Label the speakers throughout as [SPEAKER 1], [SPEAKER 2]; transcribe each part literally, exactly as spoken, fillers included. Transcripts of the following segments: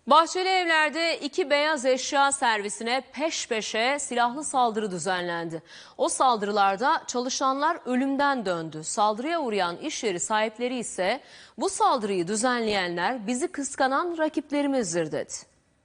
[SPEAKER 1] Bahçelievler'de iki beyaz eşya servisine peş peşe silahlı saldırı düzenlendi. O saldırılarda çalışanlar ölümden döndü. Saldırıya uğrayan iş yeri sahipleri ise bu saldırıyı düzenleyenler bizi kıskanan rakiplerimizdir dedi.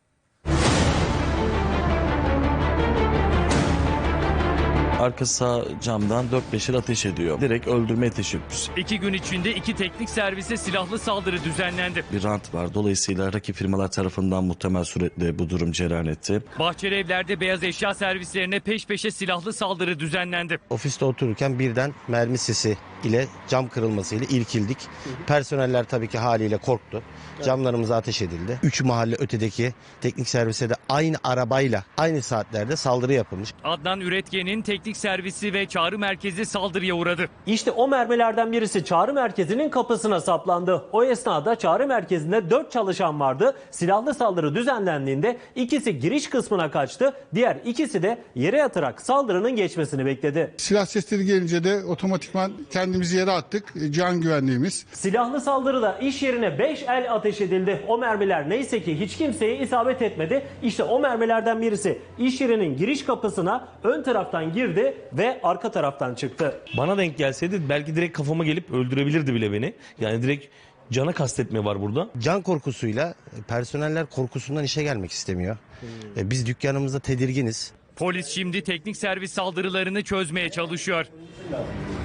[SPEAKER 2] Arka sağ camdan dört beşer ateş ediyor. Direkt öldürmeye teşebbüs.
[SPEAKER 3] İki gün içinde iki teknik servise silahlı saldırı düzenlendi.
[SPEAKER 2] Bir rant var. Dolayısıyla rakip firmalar tarafından muhtemel suretle bu durum cereyan etti.
[SPEAKER 3] Bahçelievler'de beyaz eşya servislerine peş peşe silahlı saldırı düzenlendi.
[SPEAKER 4] Ofiste otururken birden mermi sesi ile cam kırılmasıyla irkildik. Personeller tabii ki haliyle korktu. Camlarımıza ateş edildi. Üç mahalle ötedeki teknik servise de aynı arabayla aynı saatlerde saldırı yapılmış.
[SPEAKER 3] Adnan Üretken'in teknik servisi ve çağrı merkezi saldırıya uğradı.
[SPEAKER 5] İşte o mermilerden birisi çağrı merkezinin kapısına saplandı. O esnada çağrı merkezinde dört çalışan vardı. Silahlı saldırı düzenlendiğinde ikisi giriş kısmına kaçtı. Diğer ikisi de yere yatarak saldırının geçmesini bekledi.
[SPEAKER 6] Silah sesleri gelince de otomatikman kendimizi yere attık. Can güvenliğimiz.
[SPEAKER 5] Silahlı saldırıda iş yerine beş el ateş edildi. O mermiler neyse ki hiç kimseye isabet etmedi. İşte o mermilerden birisi iş yerinin giriş kapısına ön taraftan girdi ve arka taraftan çıktı.
[SPEAKER 7] Bana denk gelseydi belki direkt kafama gelip öldürebilirdi bile beni. Yani direkt cana kastetme var burada.
[SPEAKER 4] Can korkusuyla personeller korkusundan işe gelmek istemiyor. Hmm. Biz dükkanımızda tedirginiz.
[SPEAKER 3] Polis şimdi teknik servis saldırılarını çözmeye çalışıyor.